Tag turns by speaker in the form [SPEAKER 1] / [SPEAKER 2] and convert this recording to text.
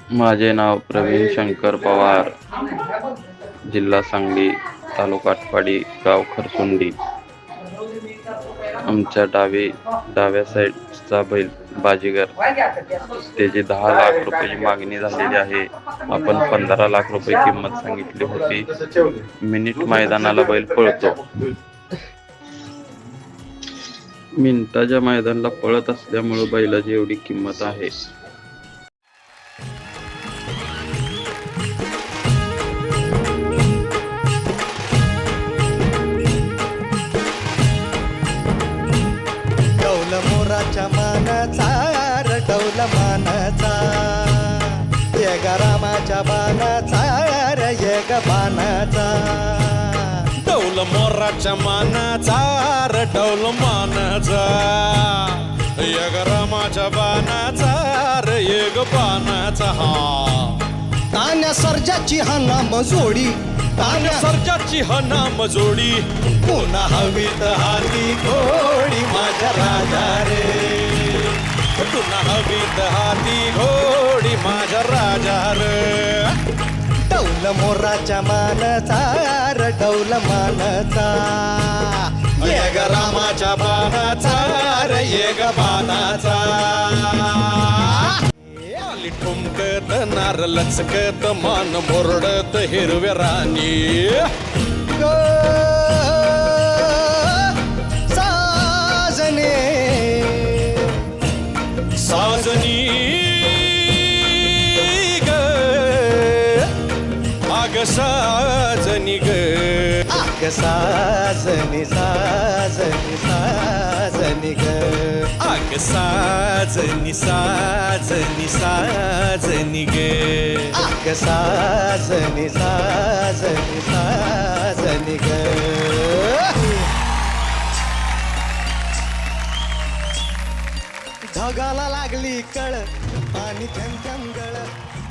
[SPEAKER 1] माझे नाव प्रवीण शंकर पवार, जिल्हा सांगली, तालुका आटपाडी, गाव खरसुंडी. आमच्या डाव्या साईडचा बैल बाजीगर, त्याची 10 लाख रुपयाची मागणी झालेली आहे. आपण 15 लाख रुपये किंमत सांगितली होती. मिनिट मैदानाला बैल पळतो. मिनिटाच्या मैदानाला पळत असल्यामुळे बैलाची एवढी किंमत आहे.
[SPEAKER 2] मोराच्या मानाचा रटवला मानाचा, ये रामाच्या बाणाचा ये बाणाचा.
[SPEAKER 3] डौल मोराच्या मानाचा रटवल मानाचा, यग रामाच्या बाणाचा यग बाणाचा. हा
[SPEAKER 2] तान्या सर्जाची हा नाम जोडी,
[SPEAKER 3] तान्या सर्जाची हा नाम जोडी,
[SPEAKER 2] पुन्हा हवीत हाती घोडी माझ्या राजा रे.
[SPEAKER 3] पुन्हा हवीत हाती घोडी माझ्या राजा रे.
[SPEAKER 2] डौल मोराच्या मानाचा रटवल मानाचा,
[SPEAKER 3] यग रामाच्या बाणाचा यग बाणाचा. आली ठुमकत नार लचकत मान मोरडत हिरव्या राणी.
[SPEAKER 2] साजने
[SPEAKER 3] साजनी ग आग साजनी ग.
[SPEAKER 2] आग साजनी साजनी साजनी ग.
[SPEAKER 3] आग साजनी साजनी साजनी ग.
[SPEAKER 2] आग साजनी साजनी साजनी ग. ढगाला लागली कळ आणि थेंब थेंब गळ.